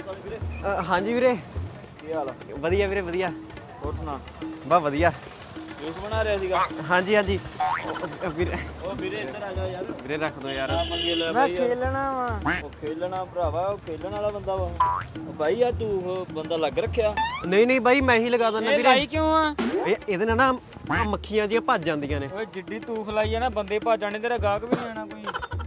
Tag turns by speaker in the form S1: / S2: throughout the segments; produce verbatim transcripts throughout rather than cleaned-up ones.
S1: ਹਾਂਜੀ ਵੀਰੇ,
S2: ਕੀ ਹਾਲ ਆ?
S1: ਵਧੀਆ ਵੀਰੇ ਵਧੀਆ।
S2: ਹੋਰ ਸੁਣਾ?
S1: ਬਸ ਵਧੀਆ।
S2: ਜੂਸ ਬਣਾ ਰਿਹਾ ਸੀਗਾ?
S1: ਹਾਂਜੀ ਹਾਂਜੀ ਵੀਰੇ।
S2: ਉਹ ਵੀਰੇ ਇੱਧਰ ਆ ਜਾ ਯਾਰ।
S1: ਵੀਰੇ ਰੱਖ ਦੋ ਯਾਰ।
S2: ਮੰਗੇ ਲੈ ਬਾਈ, ਮੈਂ ਖੇਲਣਾ ਵਾ। ਉਹ ਖੇਲਣਾ ਭਰਾਵਾ, ਉਹ ਖੇਲਣ ਵਾਲਾ ਬੰਦਾ ਵਾ ਉਹ ਬਾਈ। ਆ ਤੂੰ ਉਹ ਬੰਦਾ ਲੱਗ ਰੱਖਿਆ?
S1: ਨਹੀਂ ਨਹੀਂ ਬਾਈ, ਮੈਂ ਹੀ ਲਗਾ ਦਿੰਦਾ ਵੀਰੇ।
S3: ਲਾਈ ਕਿਉਂ ਆ?
S1: ਇਹ ਇਹਦੇ ਨਾਲ ਨਾ ਮੱਖੀਆਂ ਜਿਹੀਆਂ ਭੱਜ ਜਾਂਦੀਆਂ ਨੇ।
S3: ਓਏ ਜਿੱਡੀ ਤੂਫ ਲਾਈ ਆ ਨਾ, ਬੰਦੇ ਭੱਜ ਜਾਣੇ, ਤੇਰਾ ਗਾਹਕ ਵੀ ਨਹੀਂ ਆਣਾ ਕੋਈ।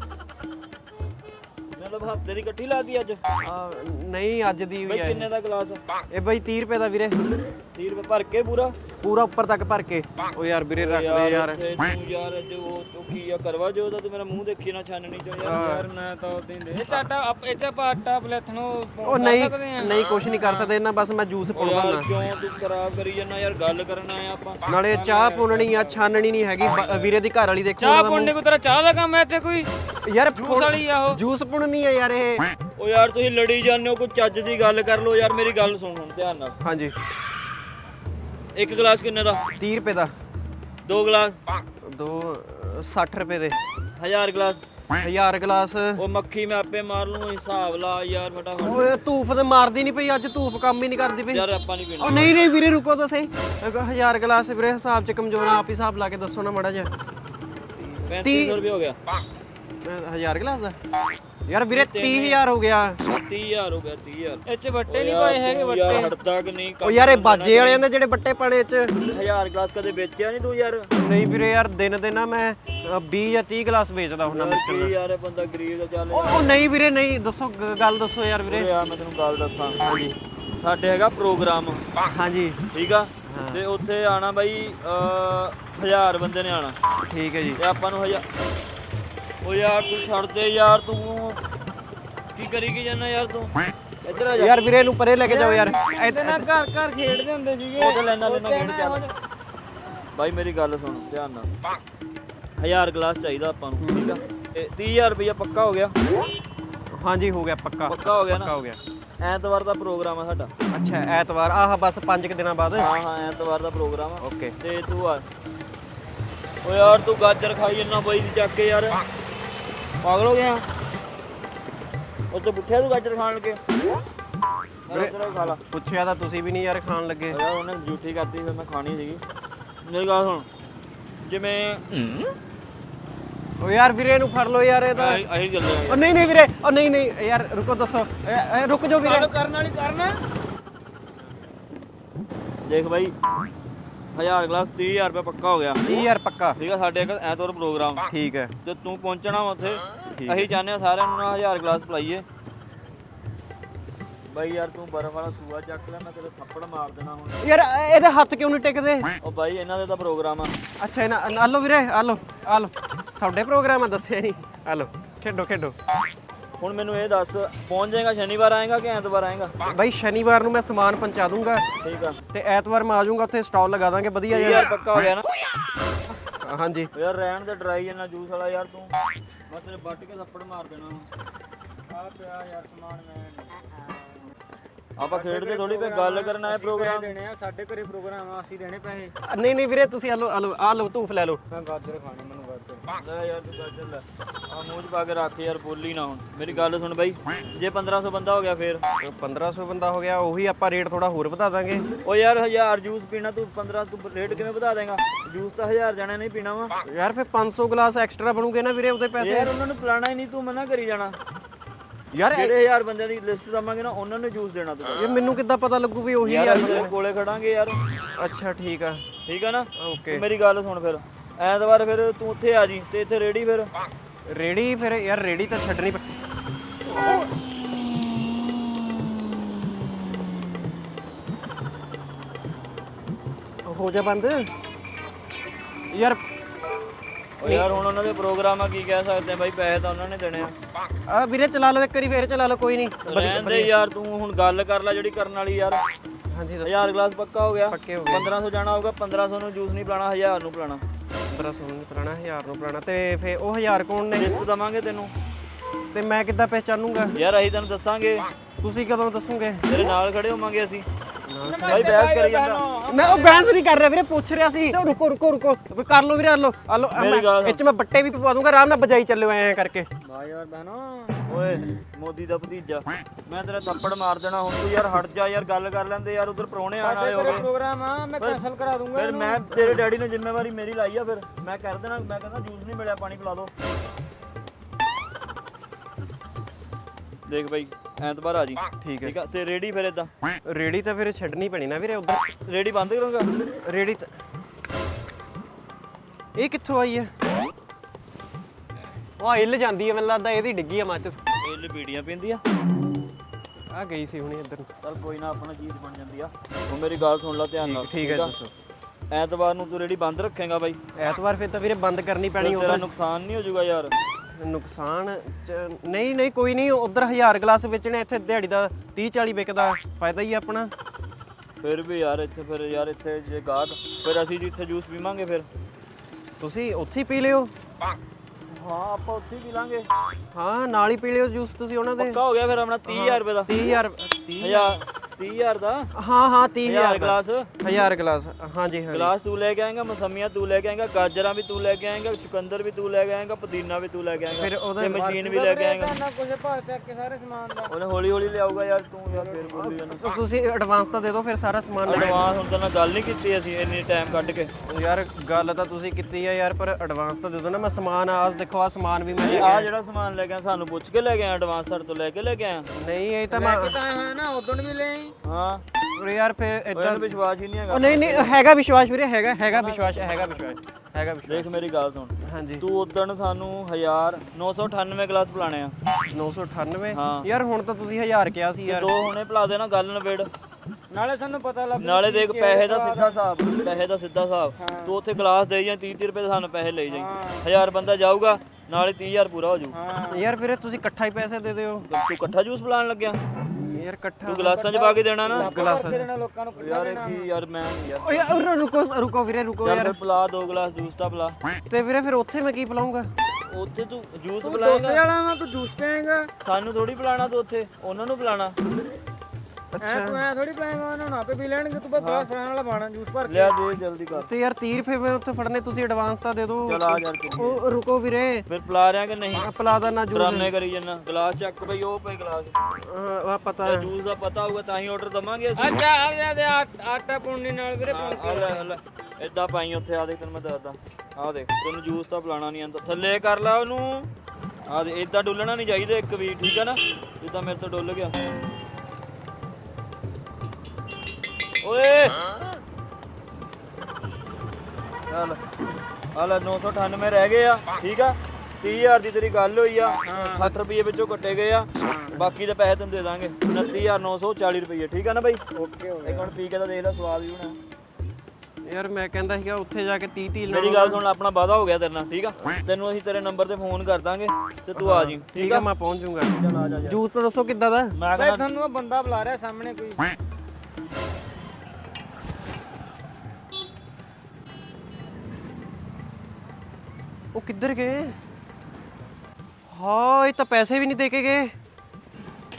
S2: ਮਤਲਬ ਹਫਤੇ ਦੀ ਇਕੱਠੀ ਲਾਤੀ ਅੱਜ?
S1: ਆ, ਨਹੀਂ ਅੱਜ ਦੀ ਵੀ
S2: ਬਾਈ
S1: ਹੈ
S2: ਕਿੰਨੇ ਦਾ ਗਲਾਸ?
S1: ਇਹ ਬਾਈ ਤੀਹ ਰੁਪਏ ਦਾ ਵੀਰੇ।
S2: ਤੀਹ ਰੁਪਏ ਭਰ ਕੇ ਪੂਰਾ?
S1: ਪੂਰਾ ਉੱਪਰ ਤੱਕ ਭਰ ਕੇ। ਉਹ ਯਾਰ ਵੀਰੇ ਰੱਖ ਦੇ ਯਾਰ।
S2: ਤੂੰ ਯਾਰ ਤੇ ਉਹ ਤੂੰ ਕੀ ਆ ਕਰਵਾ ਜੋ ਉਹਦਾ, ਤੇ ਮੇਰਾ ਮੂੰਹ ਦੇਖੀ ਨਾ ਛਾਨਣੀ ਚ ਯਾਰ।
S3: ਯਾਰ ਮੈਂ ਤਾਂ ਉਦੋਂ ਹੀ ਦੇ ਇਹ ਚਾਟਾ ਇਹ ਚ ਪਾਟਾ ਪਲੇਥਣੋ
S1: ਉਹ ਨਹੀਂ ਨਹੀਂ ਕੁਝ ਨਹੀਂ ਕਰ ਸਕਦੇ ਇਹਨਾਂ, ਬਸ ਮੈਂ ਜੂਸ
S2: ਯਾਰ
S1: ਪਾਉਣਾ।
S2: ਕਿਉਂ ਤੂੰ ਖਰਾਬ ਕਰੀ ਜਾਂਦਾ ਯਾਰ? ਗੱਲ ਕਰਨ ਆਏ ਆਪਾਂ।
S1: ਨਾਲੇ ਚਾਹ ਪੁੰਨਣੀ ਆ, ਛਾਨਣੀ ਨਹੀਂ ਹੈਗੀ। ਬ- ਵੀਰੇ ਦੀ ਘਰ ਵਾਲੀ ਦੇਖੋ।
S3: ਚਾਹ ਪੁੰਨੇ ਕੋ ਤੇਰਾ ਚਾਹ ਦਾ ਕੰਮ ਐ ਤੇ ਕੋਈ
S1: ਯਾਰ
S3: ਜੂਸ ਵਾਲੀ ਆ ਉਹ।
S1: ਜੂਸ ਪੁੰਨਣੀ ਆ ਯਾਰ ਇਹ।
S2: ਉਹ ਯਾਰ ਤੁਸੀਂ ਲੜੀ ਜਾਂਦੇ ਹੋ, ਕੋਈ ਚੱਜ ਦੀ ਗੱਲ ਕਰ ਲਓ ਯਾਰ। ਮੇਰੀ ਗੱਲ ਸੁਣ ਹੁਣ ਧਿਆਨ ਨਾਲ।
S1: ਹਾਂਜੀ।
S2: ਇੱਕ ਗਲਾਸ ਕਿੰਨੇ ਦਾ?
S1: ਤੀਹ ਰੁਪਏ ਦਾ।
S2: ਦੋ ਗਲਾਸ?
S1: ਦੋ ਸੱਠ ਰੁਪਏ ਦੇ।
S2: ਹਜ਼ਾਰ ਗਲਾਸ?
S1: ਹਜ਼ਾਰ ਗਲਾਸ।
S2: ਉਹ ਮੱਖੀ ਮੈਂ ਆਪੇ ਮਾਰ ਲੂੰ, ਹਿਸਾਬ ਲਾ ਯਾਰ ਫਟਾਫਟ।
S1: ਓਏ ਧੂਫ ਤੇ ਮਾਰਦੀ ਨਹੀਂ ਪਈ ਅੱਜ, ਧੂਫ ਕੰਮ ਹੀ ਨਹੀਂ ਕਰਦੀ ਪਈ।
S2: ਯਾਰ ਆਪਾਂ ਨਹੀਂ ਪੀਣਾ।
S1: ਉਹ ਨਹੀਂ ਨਹੀਂ ਵੀਰੇ ਰੁਕੋ ਤਾਂ ਸਹੀ। ਹਜ਼ਾਰ ਗਲਾਸ ਵੀਰੇ ਹਿਸਾਬ ਚ ਕਮਜ਼ੋਰ ਆ, ਆਪ ਹੀ ਹਿਸਾਬ ਲਾ ਕੇ ਦੱਸੋ ਨਾ ਮਾੜਾ ਜਿਹਾ।
S2: ਪੈਂਤੀ ਸੌ ਰੁਪਏ ਹੋ ਗਿਆ।
S1: ਹਜ਼ਾਰ ਗਲਾਸ ਦਾ ਯਾਰ ਵੀਰੇ ਤੀਹ ਹਜ਼ਾਰ ਹੋ ਗਿਆ।
S2: ਤੀਹ ਹਜ਼ਾਰ ਹੋ ਗਿਆ। ਤੀਹ ਹਜ਼ਾਰ
S3: ਇਹ ਚ ਵੱਟੇ ਨਹੀਂ ਪਾਏ ਹੈਗੇ ਵੱਟੇ।
S2: ਯਾਰ ਹਟਦਾ ਕਿ ਨਹੀਂ?
S1: ਉਹ ਯਾਰ ਇਹ ਬਾਜੇ ਵਾਲਿਆਂ ਦੇ ਜਿਹੜੇ ਬੱਟੇ ਪਾਣੇ ਚ।
S2: ਹਜ਼ਾਰ ਗਲਾਸ ਕਦੇ ਵੇਚਿਆ ਨਹੀਂ ਤੂੰ ਯਾਰ?
S1: ਨਹੀਂ ਵੀਰੇ ਯਾਰ ਦਿਨ ਦੇ ਨਾ ਮੈਂ ਵੀਹ ਜਾਂ ਤੀਹ ਗਲਾਸ ਵੇਚਦਾ ਹੁੰਦਾ ਮੁਸ਼ਕਿਲ ਨਾਲ।
S2: ਯਾਰ ਇਹ ਬੰਦਾ ਗਰੀਬ ਦਾ ਚੱਲ।
S1: ਉਹ ਨਹੀਂ ਵੀਰੇ ਨਹੀਂ, ਦੱਸੋ ਗ- ਗੱਲ ਦੱਸੋ ਯਾਰ ਵੀਰੇ।
S2: ਯਾਰ ਮੈਂ ਤੈਨੂੰ ਗੱਲ ਦੱਸਾਂ। ਹਾਂਜੀ ਸਾਡੇ ਹੈਗਾ ਪ੍ਰੋਗਰਾਮ।
S1: ਹਾਂਜੀ
S2: ਠੀਕ ਆ। ਤੇ ਉੱਥੇ ਆਣਾ ਬਾਈ ਹਜ਼ਾਰ ਬੰਦੇ ਨੇ ਆਣਾ।
S1: ਠੀਕ ਹੈ ਜੀ।
S2: ਤੇ ਆਪਾਂ ਨੂੰ ਹਜ਼ਾਰ। ਉਹ ਯਾਰ ਤੂੰ ਛੱਡ ਦੇ ਯਾਰ, ਤੂੰ ਕੀ ਕਰੀ ਕੀ ਜਾਂਦਾ ਯਾਰ ਤੂੰ? ਇੱਧਰ ਆ ਜਾ
S1: ਯਾਰ ਵੀਰੇ ਇਹਨੂੰ ਪਰੇ ਲੈ ਕੇ ਜਾਓ ਯਾਰ।
S3: ਇਹਦੇ ਨਾਲ ਘਰ ਘਰ ਖੇਡਦੇ ਹੁੰਦੇ ਸੀਗੇ।
S2: ਉਹ ਤੇ ਲੈਣਾ ਲੈਣਾ ਖੇਡ ਚੱਲ। ਬਾਈ ਮੇਰੀ ਗੱਲ ਸੁਣ ਧਿਆਨ ਨਾਲ। ਹਜ਼ਾਰ ਗਲਾਸ ਚਾਹੀਦਾ ਆਪਾਂ ਨੂੰ, ਠੀਕ ਆ? ਤੇ ਤੀਹ ਹਜ਼ਾਰ ਰੁਪਇਆ ਪੱਕਾ ਹੋ ਗਿਆ?
S1: ਹਾਂਜੀ ਹੋ ਗਿਆ ਪੱਕਾ।
S2: ਪੱਕਾ ਹੋ ਗਿਆ ਨਾ?
S1: ਪੱਕਾ ਹੋ ਗਿਆ।
S2: ਐਤਵਾਰ ਦਾ ਪ੍ਰੋਗਰਾਮ ਆ ਸਾਡਾ।
S1: ਅੱਛਾ ਐਤਵਾਰ? ਆਹ ਬਸ ਪੰਜ ਕੁ ਦਿਨਾਂ ਬਾਅਦ।
S2: ਹਾਂ ਹਾਂ ਐਤਵਾਰ ਦਾ ਪ੍ਰੋਗਰਾਮ ਆ।
S1: ਓਕੇ।
S2: ਤੇ ਤੂੰ ਆ। ਓ ਯਾਰ ਤੂੰ ਗਾਜਰ ਖਾਈ ਜੰਨਾ ਬਾਈ ਦੀ ਚੱਕ ਕੇ ਯਾਰ, ਪਾਗਲ ਹੋ ਗਿਆ? ਉੱਥੇ ਪੁੱਛਿਆ ਤੂੰ ਗਾਜਰ ਖਾਣ ਲੱਗੇ? ਗਾਜਰ ਖਾ ਲਾ।
S1: ਪੁੱਛਿਆ ਤਾਂ ਤੁਸੀਂ ਵੀ ਨਹੀਂ ਯਾਰ ਖਾਣ ਲੱਗੇ।
S2: ਯਾਰ ਉਹਨੇ ਝੂਠੀ ਕਰਤੀ, ਫਿਰ ਮੈਂ ਖਾਣੀ ਸੀਗੀ। ਮੇਰੀ ਗੱਲ ਸੁਣ, ਜਿਵੇਂ
S1: ਉਹ ਯਾਰ ਵੀਰੇ ਇਹਨੂੰ ਫੜ ਲਓ ਯਾਰ। ਇਹ ਤਾਂ
S2: ਅਸੀਂ ਅਸੀਂ ਚੱਲੇ
S1: ਉਹ ਨਹੀਂ ਨਹੀਂ ਵੀਰੇ, ਉਹ ਨਹੀਂ ਨਹੀਂ ਯਾਰ ਰੁਕੋ, ਦੱਸੋ। ਇਹ- ਇਹ ਰੁਕ ਜਾਓ ਵੀਰੇ।
S3: ਕਰਨ ਵਾਲੀ ਕਰਨਾ।
S2: ਦੇਖ ਬਾਈ, ਹਜ਼ਾਰ ਗਲਾਸ ਤੀਹ ਹਜ਼ਾਰ ਰੁਪਏ ਪੱਕਾ ਹੋ ਗਿਆ।
S1: ਤੀਹ ਹਜ਼ਾਰ ਪੱਕਾ?
S2: ਠੀਕ ਆ। ਸਾਡੇ ਇੱਕ ਐਤਵਾਰ ਪ੍ਰੋਗਰਾਮ।
S1: ਠੀਕ ਹੈ।
S2: ਤੇ ਤੂੰ ਪਹੁੰਚਣਾ ਉੱਥੇ। ਅਸੀਂ ਚਾਹੁੰਦੇ ਹਾਂ ਸਾਰਿਆਂ ਨੂੰ ਨਾ ਹਜ਼ਾਰ ਗਲਾਸ ਪਿਲਾਈਏ। ਬਾਈ ਯਾਰ ਤੂੰ ਬਰਫ ਵਾਲਾ ਸੂਆ ਚੱਕ ਲੈ, ਮੈਂ ਤੇਰੇ ਥੱਪੜ ਮਾਰ ਦੇਣਾ ਹੁਣ।
S1: ਯਾਰ ਇਹਦੇ ਹੱਥ ਕਿਉਂ ਨਹੀਂ ਟਿਕਦੇ?
S2: ਉਹ ਬਾਈ ਇਹਨਾਂ ਦੇ ਤਾਂ ਪ੍ਰੋਗਰਾਮ ਆ।
S1: ਅੱਛਾ ਇਹਨਾਂ ਆ ਲਓ ਵੀਰੇ, ਆ ਲਓ ਆ ਲਓ। ਤੁਹਾਡੇ ਪ੍ਰੋਗਰਾਮ ਆ, ਦੱਸਿਆ ਨਹੀਂ। ਆ ਲਓ ਖੇਡੋ ਖੇਡੋ।
S2: ਹੁਣ ਮੈਨੂੰ ਇਹ ਦੱਸ, ਪਹੁੰਚ ਜਾਏਗਾ ਸ਼ਨੀਵਾਰ ਆਏਗਾ ਕਿ ਐਤਵਾਰ ਆਏਗਾ?
S1: ਬਾਈ ਸ਼ਨੀਵਾਰ ਨੂੰ ਮੈਂ ਸਮਾਨ ਪਹੁੰਚਾ ਦੂੰਗਾ
S2: ਠੀਕ ਆ।
S1: ਤੇ ਐਤਵਾਰ ਮੈਂ ਆ ਜਾਊਂਗਾ, ਉੱਥੇ ਸਟਾਲ ਲਗਾ ਦਾਂਗੇ ਵਧੀਆ
S2: ਯਾਰ
S1: ਜਿਹਾ।
S2: ਪੱਕਾ ਹੋ ਗਿਆ ਨਾ?
S1: ਹਾਂਜੀ।
S2: ਯਾਰ ਰਹਿਣ ਦੇ ਡਰਾਈ ਜਨਾ ਜੂਸ ਵਾਲਾ ਯਾਰ ਤੂੰ। ਮੈਂ ਤੇਰੇ ਵੱਟ ਕੇ ਥੱਪੜ ਮਾਰ ਦੇਣਾ। ਆ ਪਿਆ ਯਾਰ ਸਮਾਨ ਮੈਂ। ਆਪਾਂ ਖੇਡਦੇ ਥੋੜੀ ਪਏ, ਗੱਲ ਕਰਨ ਆਏ ਪ੍ਰੋਗਰਾਮ
S3: ਦੇਣੇ ਆ ਸਾਡੇ ਘਰੇ ਪ੍ਰੋਗਰਾਮ ਆ, ਅਸੀਂ ਦੇਣੇ ਪੈਸੇ।
S1: ਨਹੀਂ ਨਹੀਂ ਵੀਰੇ ਤੁਸੀਂ ਆ ਲਓ ਆ ਲਓ ਆ ਲਓ ਧੂਫ ਲੈ ਲਓ।
S3: ਮੈਂ ਗਾਜਰ ਖਾਣੀ, ਮੈਨੂੰ ਗਾਜਰ
S2: ਲੈ ਯਾਰ ਤੂੰ ਗਾਜਰ ਲੈ ਆ ਮੂੰਹ 'ਚ ਪਾ ਕੇ ਰੱਖ ਯਾਰ, ਬੋਲੀ ਨਾ ਹੁਣ। ਮੇਰੀ ਗੱਲ ਸੁਣ ਬਾਈ, ਜੇ ਪੰਦਰਾਂ ਸੌ ਬੰਦਾ ਹੋ ਗਿਆ ਫੇਰ?
S1: ਪੰਦਰਾਂ ਸੌ ਬੰਦਾ ਹੋ ਗਿਆ, ਉਹੀ ਆਪਾਂ ਰੇਟ ਥੋੜਾ ਹੋਰ ਵਧਾ ਦਾਂਗੇ।
S2: ਉਹ ਯਾਰ ਹਜ਼ਾਰ ਜੂਸ ਪੀਣਾ, ਤੂੰ ਪੰਦਰਾਂ ਤੂੰ ਰੇਟ ਕਿਵੇਂ ਵਧਾ ਦੇਂਗਾ? ਜੂਸ ਤਾਂ ਹਜ਼ਾਰ ਜਣਾ ਨਹੀਂ ਪੀਣਾ ਵਾ
S1: ਯਾਰ ਫਿਰ ਪੰਜ ਸੌ ਗਲਾਸ ਐਕਸਟਰਾ ਬਣੂਗੇ ਨਾ ਵੀਰੇ ਉਹਦੇ ਪੈਸੇ।
S2: ਯਾਰ। ਉਹਨਾਂ ਨੂੰ ਪਿਲਾਣਾ ਹੀ ਨਹੀਂ, ਤੂੰ ਮਨਾ ਕਰੀ ਜਾਣਾ।
S1: ਯਾਰ
S2: ਜਿਹੜੇ ਹਜ਼ਾਰ ਬੰਦਿਆਂ ਦੀ ਲਿਸਟ ਦਵਾਂਗੇ ਨਾ, ਉਹਨਾਂ ਨੂੰ ਜੂਸ ਦੇਣਾ ਤੂੰ।
S1: ਇਹ ਮੈਨੂੰ ਕਿੱਦਾਂ ਪਤਾ ਲੱਗੂ ਵੀ ਉਹੀ
S2: ਯਾਰ
S1: ਯਾਰ?
S2: ਤੇਰੇ ਕੋਲੇ ਖੜਾਂਗੇ ਯਾਰ।
S1: ਅੱਛਾ ਠੀਕ ਆ।
S2: ਠੀਕ ਆ ਨਾ?
S1: ਓਕੇ।
S2: ਤੂੰ ਮੇਰੀ ਗੱਲ ਸੁਣ, ਫਿਰ ਐਤਵਾਰ ਫਿਰ ਤੂੰ ਉੱਥੇ ਆ ਜੀ ਤੇ ਇੱਥੇ ਰੇੜੀ ਫਿਰ।
S1: ਰੇੜੀ ਫਿਰ ਯਾਰ ਰੇੜੀ ਤਾਂ ਛੱਡਣੀ ਪ- ਹੋ ਜਾ ਬੰਦ ਯਾਰ।
S2: ਉਹ ਯਾਰ ਹੁਣ ਉਹਨਾਂ ਦੇ ਪ੍ਰੋਗਰਾਮ ਆ, ਕੀ ਕਹਿ ਸਕਦੇ ਆ ਬਾਈ, ਪੈਸੇ ਤਾਂ ਉਹਨਾਂ ਨੇ ਦੇਣੇ ਆ।
S1: ਆ ਵੀਰੇ ਚਲਾ ਲਓ ਇੱਕ ਵਾਰੀ, ਫੇਰ ਚਲਾ ਲਓ, ਕੋਈ ਨਹੀਂ।
S2: ਰਹਿਣ ਦੇ ਯਾਰ, ਤੂੰ ਹੁਣ ਗੱਲ ਕਰ ਲੈ ਜਿਹੜੀ ਕਰਨ ਵਾਲੀ ਯਾਰ।
S1: ਹਾਂਜੀ ਦੱਸੋ।
S2: ਹਜ਼ਾਰ ਗਲਾਸ ਪੱਕਾ ਹੋ ਗਿਆ।
S1: ਪੱਕੇ ਹੋ ਗਏ।
S2: ਪੰਦਰਾਂ ਸੌ ਜਾਣਾ ਹੋਊਗਾ, ਪੰਦਰਾਂ ਸੌ ਨੂੰ ਜੂਸ ਨਹੀਂ ਪਿਲਾਣਾ, ਹਜ਼ਾਰ ਨੂੰ ਪਿਲਾਣਾ।
S1: ਪੰਦਰਾਂ ਸੌ ਨੂੰ ਪਿਲਾਣਾ, ਹਜ਼ਾਰ ਨੂੰ ਪਿਲਾਣਾ, ਤੇ ਫੇਰ ਉਹ ਹਜ਼ਾਰ ਕੌਣ ਨੇ?
S2: ਲਿਸਟ ਦਵਾਂਗੇ ਤੈਨੂੰ।
S1: ਤੇ ਮੈਂ ਕਿੱਦਾਂ ਪਹਿਚਾਨੂਗਾ?
S2: ਯਾਰ ਅਸੀਂ ਤੈਨੂੰ ਦੱਸਾਂਗੇ।
S1: ਤੁਸੀਂ ਕਦੋਂ ਦੱਸੋਗੇ?
S2: ਤੇਰੇ ਨਾਲ ਖੜੇ ਹੋਵਾਂਗੇ ਅਸੀਂ। ਬਾਈ ਬਹਿਸ ਕਰੀ ਜਾਂਦਾ।
S1: ਮੈਂ ਉਹ ਬੈਂਸ ਨਹੀਂ ਕਰ ਰਿਹਾ ਵੀਰੇ, ਪੁੱਛ ਰਿਹਾ ਸੀ। ਰੁਕੋ ਰੁਕੋ ਰੁਕੋ ਕਰ ਲਓ ਵੀਰੇ, ਆ ਲਓ ਆ ਲਓ।
S2: ਮੇਰੀ ਗੱਲ
S1: ਇਹ ਚ ਮੈਂ ਬੱਟੇ ਵੀ ਪਵਾ ਦੂੰਗਾ, ਆਰਾਮ ਨਾਲ ਬਜਾਈ ਚੱਲਿਓ ਐਂ ਕਰਕੇ।
S3: ਭਾਈ ਯਾਰ ਬਹਿਨੋ
S2: ਓਏ ਮੋਦੀ ਦਾ ਭਤੀਜਾ, ਮੈਂ ਤੇਰਾ ਥੱਪੜ ਮਾਰ ਦੇਣਾ ਹੁਣ। ਤੂੰ ਯਾਰ ਹਟ ਜਾ ਯਾਰ, ਗੱਲ ਕਰ ਲੈਂਦੇ ਯਾਰ, ਉਧਰ ਪ੍ਰਾਹੁਣੇ ਆਣ ਵਾਲੇ ਹੋ
S3: ਘਰੇ
S2: ਗਏ।
S3: ਪ੍ਰੋਗਰਾਮ ਆ, ਮੈਂ ਕੈਨਸਲ ਕਰਾ ਦੂੰਗਾ
S2: ਫਿਰ ਮੈਂ ਤੇਰੇ ਡੈਡੀ ਨੇ ਜ਼ਿੰਮੇਵਾਰੀ ਮੇਰੀ ਲਾਈ ਆ, ਫਿਰ ਮੈਂ ਕਰ ਦੇਣਾ। ਮੈਂ ਕਹਿੰਦਾ ਜੂਸ ਨਹੀਂ ਮਿਲਿਆ, ਪਾਣੀ ਪਿਲਾ ਦੋ। ਦੇਖ ਬਾਈ ਐਤਵਾਰ ਆ ਜੀ,
S1: ਠੀਕ ਹੈ
S2: ਠੀਕ ਆ। ਤੇ ਰੇੜੀ ਫਿਰ ਇਦਾਂ,
S1: ਰੇੜੀ ਤਾਂ ਫਿਰ ਛੱਡਣੀ ਪੈਣੀ ਨਾ ਵੀਰੇ ਉਧਰ।
S2: ਰੇੜੀ ਬੰਦ ਕਰੂੰਗਾ।
S1: ਰੇੜੀ ਤਾਂ ਇਹ ਕਿੱਥੋਂ ਆਈ ਹੈ? ਉਹ ਹਿੱਲ ਜਾਂਦੀ ਹੈ, ਮੈਨੂੰ ਲੱਗਦਾ ਇਹਦੀ ਡਿੱਗੀ ਆ ਮਾਚਸ।
S2: ਇਹ ਬੀੜੀਆਂ ਪੀਂਦੀ ਆ,
S1: ਆ ਗਈ ਸੀ ਹੁਣੇ ਇੱਧਰ।
S2: ਚੱਲ ਕੋਈ ਨਾ, ਆਪਣਾ ਚੀਜ਼ ਬਣ ਜਾਂਦੀ ਆ। ਹੁਣ ਮੇਰੀ ਗੱਲ ਸੁਣ ਲੈ ਧਿਆਨ ਨਾਲ,
S1: ਠੀਕ ਹੈ ਦੱਸੋ।
S2: ਐਤਵਾਰ ਨੂੰ ਤੂੰ ਰੇੜੀ ਬੰਦ ਰੱਖੇਗਾ ਬਾਈ?
S1: ਐਤਵਾਰ ਫਿਰ ਤਾਂ ਵੀਰੇ ਬੰਦ ਕਰਨੀ ਪੈਣੀ
S2: ਤੇਰਾ
S1: ਉਧਰ।
S2: ਨੁਕਸਾਨ ਨਹੀਂ ਹੋ ਜਾਊਗਾ ਯਾਰ?
S1: ਨੁਕਸਾਨ ਚ- ਨਹੀਂ ਨਹੀਂ ਕੋਈ ਨਹੀਂ, ਉਧਰ ਹਜ਼ਾਰ ਗਲਾਸ ਵੇਚਣੇ, ਇੱਥੇ ਦਿਹਾੜੀ ਦਾ ਤੀਹ ਚਾਲੀ ਵਿਕਦਾ, ਫਾਇਦਾ ਹੀ ਆ ਆਪਣਾ।
S2: ਫਿਰ ਵੀ ਯਾਰ ਇੱਥੇ, ਫਿਰ ਯਾਰ ਇੱਥੇ ਜੇ ਗਾਹਕ, ਫਿਰ ਅਸੀਂ ਜਿੱਥੇ ਜੂਸ ਪੀਵਾਂਗੇ ਫਿਰ
S1: ਤੁਸੀਂ ਉੱਥੇ ਹੀ ਪੀ ਲਿਓ।
S2: ਹਾਂ ਆਪਾਂ ਉੱਥੇ ਹੀ ਪੀ ਲਾਂਗੇ।
S1: ਹਾਂ ਨਾਲ ਹੀ ਪੀ ਲਿਓ ਜੂਸ ਤੁਸੀਂ ਉਹਨਾਂ ਦੇ।
S2: ਪੱਕਾ ਹੋ ਗਿਆ ਫਿਰ ਆਪਣਾ ਤੀਹ ਹਜ਼ਾਰ ਰੁਪਏ ਦਾ।
S1: ਤੀਹ ਹਜ਼ਾਰ ਤੀਹ
S2: ਹਜ਼ਾਰ ਤੀਹ ਹਜ਼ਾਰ ਦਾ
S1: ਹਾਂ ਹਾਂ ਤੀਹ
S2: ਹਜ਼ਾਰ
S1: ਹਜ਼ਾਰ
S2: ਗਲਾਸ।
S1: ਹਜ਼ਾਰ ਗਲਾਸ ਹਾਂਜੀ ਹਾਂ।
S2: ਗਲਾਸ ਤੂੰ ਲੈ ਕੇ ਆਏਗਾ, ਮਸਮੀਆਂ ਤੂੰ ਲੈ ਕੇ ਆਏਗਾ, ਗਾਜਰਾਂ ਵੀ ਤੂੰ ਲੈ ਕੇ ਆਏਗਾ, ਚੁਕੰਦਰ ਵੀ ਤੂੰ ਲੈ ਕੇ ਆਏਗਾ, ਪੁਦੀਨਾ ਵੀ ਤੂੰ ਲੈ ਕੇ
S1: ਫਿਰ
S2: ਆਏਗਾ,
S1: ਉਹਦਾ
S2: ਤੇ ਮਸ਼ੀਨ ਵੀ ਲੈ ਕੇ ਆਏਗਾ।
S3: ਨਾ ਕੁਝ ਭਾਅ ਚੱਕ ਕੇ ਸਾਰੇ ਸਮਾਨ ਦਾ
S2: ਉਹਨੇ ਹੌਲੀ ਹੌਲੀ ਲਿਆਊਗਾ ਯਾਰ, ਤੂੰ ਯਾਰ ਫਿਰ ਬੋਲੀ ਜਾਣਾ।
S1: ਤਾਂ ਤੁਸੀਂ ਐਡਵਾਂਸ ਤਾਂ ਦੇ ਦਿਓ ਫਿਰ ਸਾਰਾ ਸਮਾਨ।
S2: ਐਡਵਾਂਸ ਹੁਣ ਤਾਂ ਨਾਲ ਗੱਲ ਨਹੀਂ ਕੀਤੀ ਅਸੀਂ ਇੰਨੀ ਟਾਈਮ ਕੱਢ ਕੇ।
S1: ਯਾਰ ਗੱਲ ਤਾਂ ਤੁਸੀਂ ਕੀਤੀ ਆ ਯਾਰ, ਪਰ ਐਡਵਾਂਸ ਤਾਂ ਦੇ ਦਿਓ ਨਾ। ਮੈਂ ਸਮਾਨ ਆਹ ਦੇਖੋ, ਆ ਸਮਾਨ ਵੀ ਮੈਂ
S2: ਆ ਜਿਹੜਾ ਸਮਾਨ ਲੈ ਕੇ ਆਇਆ ਸਾਨੂੰ ਪੁੱਛ ਕੇ ਲੈ ਕੇ ਆਇਆ, ਐਡਵਾਂਸ ਸਾਡੇ ਤੋਂ ਲੈ ਕੇ ਲੈ ਕੇ ਆਇਆ।
S1: ਨਹੀਂ ਇਹ ਤਾਂ ਮੈਂ
S3: ਤਾਂ ਹੈ ਨਾ ਉਦੋਂ ਵੀ ਲੈ ਆਈ।
S2: ਹਾਂ
S1: ਯਾਰ ਫਿਰ
S2: ਇਦਾਂ
S1: ਇਦਾਂ
S2: ਵਿਸ਼ਵਾਸ ਹੀ ਨਹੀਂ ਹੈਗਾ।
S1: ਉਹ ਨਹੀਂ ਨਹੀਂ ਹੈਗਾ ਵਿਸ਼ਵਾਸ ਵੀਰੇ, ਹੈਗਾ ਹੈਗਾ ਵਿਸ਼ਵਾਸ ਹੈਗਾ ਵਿਸ਼ਵਾਸ ਹੈਗਾ ਵਿਸ਼ਵਾਸ।
S2: ਦੇਖ ਮੇਰੀ ਗੱਲ ਸੁਣ,
S1: ਹਾਂਜੀ
S2: ਤੂੰ ਉਦਣ ਸਾਨੂੰ ਹਜ਼ਾਰ ਨੌ ਸੌ ਅਠਾਨਵੇਂ ਗਲਾਸ ਪਿਲਾਣੇ ਆ।
S1: ਨੌ ਸੌ ਅਠਾਨਵੇਂ
S2: ਹਾਂ।
S1: ਯਾਰ ਹੁਣ ਤਾਂ ਤੁਸੀਂ ਹਜ਼ਾਰ ਕਿਹਾ ਸੀ ਯਾਰ।
S2: ਦੋ ਹੁਣੇ ਪਿਲਾ ਦੇਣਾ, ਗੱਲ ਨਵੇੜ।
S3: ਨਾਲੇ ਸਾਨੂੰ ਪਤਾ ਲੱਗ
S2: ਨਾਲੇ ਦੇਖ ਪੈਸੇ ਦਾ ਸਿੱਧਾ ਹਿਸਾਬ, ਪੈਸੇ ਦਾ ਸਿੱਧਾ ਹਿਸਾਬ। ਤੂੰ ਉੱਥੇ ਗਲਾਸ ਦੇਈ ਜਾਂ ਤੀਹ ਤੀਹ ਰੁਪਏ ਦੇ ਸਾਨੂੰ ਪੈਸੇ ਲਈ ਜਾਈ। ਹਜ਼ਾਰ ਬੰਦਾ ਜਾਊਗਾ ਨਾਲੇ ਤੀਹ ਹਜ਼ਾਰ ਪੂਰਾ ਹੋ ਜਾਊ।
S1: ਯਾਰ ਵੀਰੇ ਤੁਸੀਂ ਇਕੱਠਾ ਹੀ ਪੈਸੇ ਦੇ ਦਿਓ।
S2: ਤੂੰ ਇਕੱਠਾ ਜੂਸ ਪਿਲਾਣ ਲੱਗਿਆ?
S1: ਯਾਰ ਇਕੱਠਾ
S2: ਤੂੰ ਗਲਾਸਾਂ 'ਚ ਪਾ ਕੇ ਦੇਣਾ ਨਾ।
S1: ਗਲਾਸਾਂ
S3: ਦੇਣਾ ਲੋਕਾਂ ਨੂੰ।
S2: ਯਾਰ ਇਹ ਕੀ ਯਾਰ, ਮੈਂ ਨੀ ਯਾਰ।
S1: ਓ ਯਾਰ ਰੁਕੋ ਰੁਕੋ ਵੀਰੇ ਰੁਕੋ
S2: ਚੱਲ
S1: ਯਾਰ।
S2: ਫਿਰ ਪਿਲਾ ਦੋ ਗਲਾਸ ਜੂਸ ਦਾ ਪਿਲਾ।
S1: ਤੇ ਵੀਰੇ ਫਿਰ ਉੱਥੇ ਮੈਂ ਕੀ ਪਿਲਾਉਂਗਾ?
S2: ਉੱਥੇ ਤੂੰ ਜੂਸ
S3: ਤੂੰ
S2: ਪਿਲਾਏਗਾ,
S3: ਦੋਸੇ ਵਾਲਾ ਵਾ, ਤੂੰ ਜੂਸ ਪੀਏਗਾ।
S2: ਸਾਨੂੰ ਥੋੜੀ ਪਿਲਾਣਾ, ਤੂੰ ਉੱਥੇ ਉਹਨਾਂ ਨੂੰ ਪਿਲਾਣਾ।
S3: ਐ ਤੂੰ ਐ ਥੋੜੀ ਪੀਏਗਾ, ਉਹਨਾਂ ਨੂੰ ਆਪੇ ਪੀ ਲੈਣਗੇ। ਤੂੰ ਬਸ ਗਲਾਸ ਫੜਾਉਣ ਵਾਲਾ ਬਾਣਾ ਜੂਸ ਭਰ ਕੇ।
S2: ਲਿਆ ਦੇ ਜਲਦੀ ਕਰ।
S1: ਤੇ ਯਾਰ ਤੀਹ ਰੁਪਏ ਮੈਂ ਉੱਥੇ ਫੜਨੇ, ਤੁਸੀਂ ਐਡਵਾਂਸ ਤਾਂ ਦੇ ਦਿਓ।
S2: ਚਲ ਆ ਯਾਰ ਚੱਲੀਏ।
S1: ਉਹ ਰੁਕੋ ਵੀਰੇ,
S2: ਫਿਰ ਪਿਲਾ ਰਿਆ ਕਿ ਨਹੀਂ?
S1: ਆ ਪਿਲਾ ਦਾ ਨਾ ਜੂਸ।
S2: ਡਰਾਮੇ ਕਰੀ ਜੰਨਾ। ਗਲਾਸ ਚੱਕ ਬਈ, ਉਹ ਪਈ ਗਲਾਸ।
S1: ਆ ਪਤਾ
S2: ਜੇ ਜੂਸ ਦਾ ਪਤਾ ਹੋਊਗਾ ਤਾਂ ਹੀ ਆਰਡਰ ਦਵਾਂਗੇ ਅਸੀਂ।
S3: ਅੱਛਾ ਆ ਜਾ ਦੇ ਆਟਾ ਪੁੰਨੀ ਨਾਲ ਵੀਰੇ ਪੁੰਨ
S2: ਆ ਲੈ ਆ ਲੈ, ਏਦਾਂ ਪਾਈ ਉੱਥੇ। ਆ ਦੇਖ ਤੈਨੂੰ ਮੈਂ ਦੱਸਦਾ, ਆ ਦੇਖ ਤੈਨੂੰ ਜੂਸ ਤਾਂ ਪਿਲਾਣਾ ਨਹੀਂ ਆਂਦਾ। ਥੱਲੇ ਕਰ ਲਾ ਉਹਨੂੰ। ਆ ਦੇ ਏਦਾਂ ਡੁੱਲਣਾ ਨਹੀਂ ਚਾਹੀਦਾ ਇੱਕ ਵੀ, ਠੀਕ ਆ ਨਾ? ਜਿੱਦਾਂ ਮੇਰੇ ਤੋਂ ਡੁੱਲ ਗਿਆ। ਓਏ ਚੱਲ ਆ ਲੈ, ਨੌ ਸੌ ਅਠਾਨਵੇਂ ਰਹਿ ਗਏ ਆ, ਠੀਕ ਆ? ਤੀਹ ਹਜ਼ਾਰ ਦੀ ਤੇਰੀ ਗੱਲ ਹੋਈ ਆ, ਸੱਠ ਰੁਪਏ ਵਿੱਚੋਂ ਕੱਟੇ ਗਏ ਆ, ਬਾਕੀ ਦੇ ਪੈਸੇ ਤੈਨੂੰ ਦੇ ਦਾਂਗੇ। ਉਨੱਤੀ ਹਜ਼ਾਰ ਨੌ ਸੌ ਚਾਲੀ ਰੁਪਏ, ਠੀਕ ਆ ਨਾ ਬਾਈ?
S3: ਓਕੇ ਹੋ
S2: ਇੱਕ ਮਿੰਟ ਪੀ ਕੇ ਤਾਂ ਦੇਖ ਲੈ, ਸਵਾਦ ਵੀ ਹੋਣਾ।
S1: ਯਾਰ ਮੈਂ ਕਹਿੰਦਾ ਸੀਗਾ ਉੱਥੇ ਜਾ ਕੇ ਤੀਹ ਤੀਹ
S2: ਮੇਰੀ ਗੱਲ ਸੁਣ, ਆਪਣਾ ਵਾਅਦਾ ਹੋ ਗਿਆ ਤੇਰੇ ਨਾਲ, ਠੀਕ ਆ? ਤੈਨੂੰ ਅਸੀਂ ਤੇਰੇ ਨੰਬਰ ਤੇ ਫੋਨ ਕਰ ਦਾਂਗੇ ਤੇ ਤੂੰ ਆ ਜੀ,
S1: ਠੀਕ ਆ? ਮੈਂ ਪਹੁੰਚ ਜਾਊਂਗਾ।
S2: ਚੱਲ ਆ ਜਾ।
S1: ਜੂਸ ਤਾਂ ਦੱਸੋ ਕਿੱਦਾਂ ਦਾ?
S2: ਮੈਂ
S3: ਭਾਈ
S2: ਕਹਿੰਦਾ
S3: ਤੁਹਾਨੂੰ ਉਹ ਬੰਦਾ ਬੁਲਾ ਰਿਹਾ ਸਾਹਮਣੇ ਕੋਈ।
S1: ਉਹ ਕਿੱਧਰ ਗਏ? ਹਾਂ ਇਹ ਤਾਂ ਪੈਸੇ ਵੀ ਨਹੀਂ ਦੇ ਕੇ ਗਏ।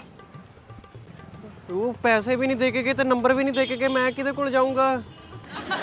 S1: ਉਹ ਪੈਸੇ ਵੀ ਨਹੀਂ ਦੇ ਕੇ ਗਏ ਤੇ ਨੰਬਰ ਵੀ ਨਹੀਂ ਦੇ ਕੇ ਗਏ। ਮੈਂ ਕਿਹਦੇ ਕੋਲ ਜਾਊਂਗਾ?